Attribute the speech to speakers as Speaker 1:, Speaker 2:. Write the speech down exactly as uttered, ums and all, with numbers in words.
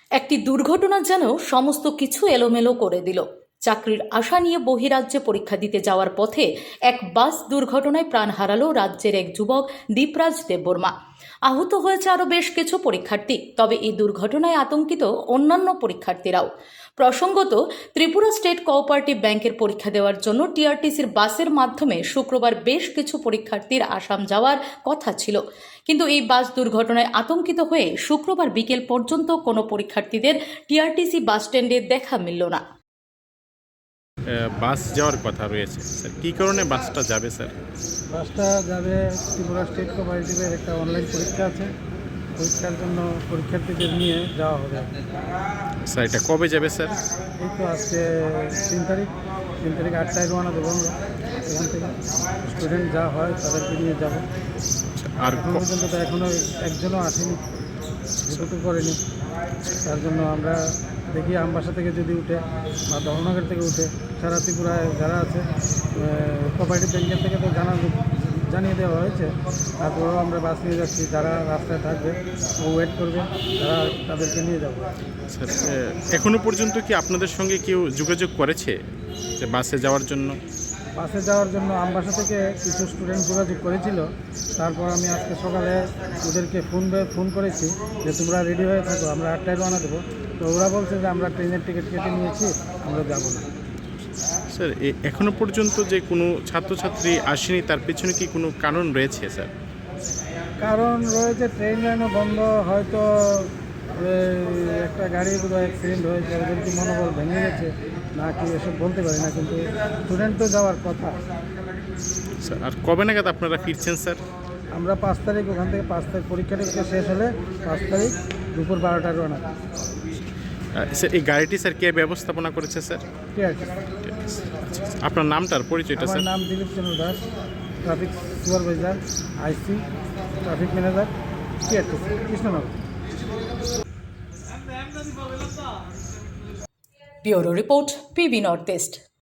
Speaker 1: একটি দুর্ঘটনা যেন সমস্ত কিছু এলোমেলো করে দিল। চাকরির আশা নিয়ে বহিরাজ্যে পরীক্ষা দিতে যাওয়ার পথে এক বাস দুর্ঘটনায় প্রাণ হারালো রাজ্যের এক যুবক দীপরাজ দেববর্মা। আহত হয়েছে আরও বেশ কিছু পরীক্ষার্থী। তবে এই দুর্ঘটনায় আতঙ্কিত অন্যান্য পরীক্ষার্থীরাও। প্রসঙ্গত, ত্রিপুরা স্টেট কোঅপারেটিভ ব্যাংকের পরীক্ষা দেওয়ার জন্য টিআরটিসির বাসের মাধ্যমে শুক্রবার বেশ কিছু পরীক্ষার্থীর আসাম যাওয়ার কথা ছিল, কিন্তু এই বাস দুর্ঘটনায় আতঙ্কিত হয়ে শুক্রবার বিকেল পর্যন্ত কোনো পরীক্ষার্থীদের টিআরটিসি বাস স্ট্যান্ডে দেখা মিলল না।
Speaker 2: বাস যাওয়ার কথা রয়েছে স্যার, কী কারণে বাসটা যাবে স্যার?
Speaker 3: বাসটা যাবে ত্রিপুরা স্টেট কোঅপারেটিভের একটা অনলাইন পরীক্ষা আছে, পরীক্ষার জন্য পরীক্ষার্থীদের নিয়ে যাওয়া হবে।
Speaker 2: স্যার এটা কবে যাবে স্যার?
Speaker 3: এই তো আজকে তিন তারিখ তিন তারিখ আটটায় রওনা দেবো আমরা এখান থেকে। স্টুডেন্ট যা হয় তাদেরকে নিয়ে যাব।
Speaker 2: আর
Speaker 3: এখন
Speaker 2: ক-
Speaker 3: পর্যন্ত তো এখনও একজনও আসেনি, রিপোর্টও করেনি। তার জন্য আমরা দেখি আমবাসা থেকে যদি উঠে বা দহনগর থেকে উঠে সারা ত্রিপুরায় যারা আছে কোঅপারেটিভ ব্যাংকের থেকে তো জানা জানিয়ে দেওয়া হয়েছে। তারপরেও আমরা বাস নিয়ে যাচ্ছি, যারা রাস্তায় থাকবে ও ওয়েট করবে, তারা তাদেরকে নিয়ে যাব।
Speaker 2: স্যার এ, এখনো পর্যন্ত কি আপনাদের সঙ্গে কেউ যোগাযোগ করেছে যে বাসে যাওয়ার জন্য?
Speaker 3: বাসে যাওয়ার জন্য আমবাসা থেকে কিছু স্টুডেন্ট যোগাযোগ করেছিল। তারপর আমি আজকে সকালে ওদেরকে ফোন ফোন করেছি যে তোমরা রেডি হয়ে থাকো, আমরা আটটায় রওনা দেবো। তো ওরা বলছে যে আমরা ট্রেনের টিকিট কেটে নিয়েছি, আমরা যাবো না।
Speaker 2: স্যার এ, এখনো পর্যন্ত যে কোনো ছাত্রছাত্রী আসেনি, তার পেছনে কি কোনো কারণ রয়েছে স্যার?
Speaker 3: কারণ রয়েছে, ট্রেন লাইনও বন্ধ, হয়তো এই একটা গাড়ি বোধহয় অ্যাক্সিডেন্ট হয়েছে, ওদের কি মনোবল ভেঙে গেছে না কি এসব বলতে পারি না, কিন্তু স্টুডেন্ট তো যাওয়ার কথা।
Speaker 2: স্যার আর কবে নাগাদ আপনারা ফিরছেন স্যার?
Speaker 3: আমরা পাঁচ তারিখ ওখান থেকে পাঁচ তারিখ পরীক্ষা টরীক্ষা শেষ হলে পাঁচ তারিখ দুপুর বারোটায় রওনা।
Speaker 2: আহ, স্যার এই গাড়িটি স্যার কে ব্যবস্থাপনা করেছে স্যার?
Speaker 3: ঠিক আছে।
Speaker 2: আচ্ছা, আপনার নামটার পরিচয়টা
Speaker 3: আমার
Speaker 2: স্যার?
Speaker 3: নাম Dilip Chandra Das, traffic supervisor, IC, traffic manager, TRTC, Krishnanagar.
Speaker 1: Bureau report, PB north east.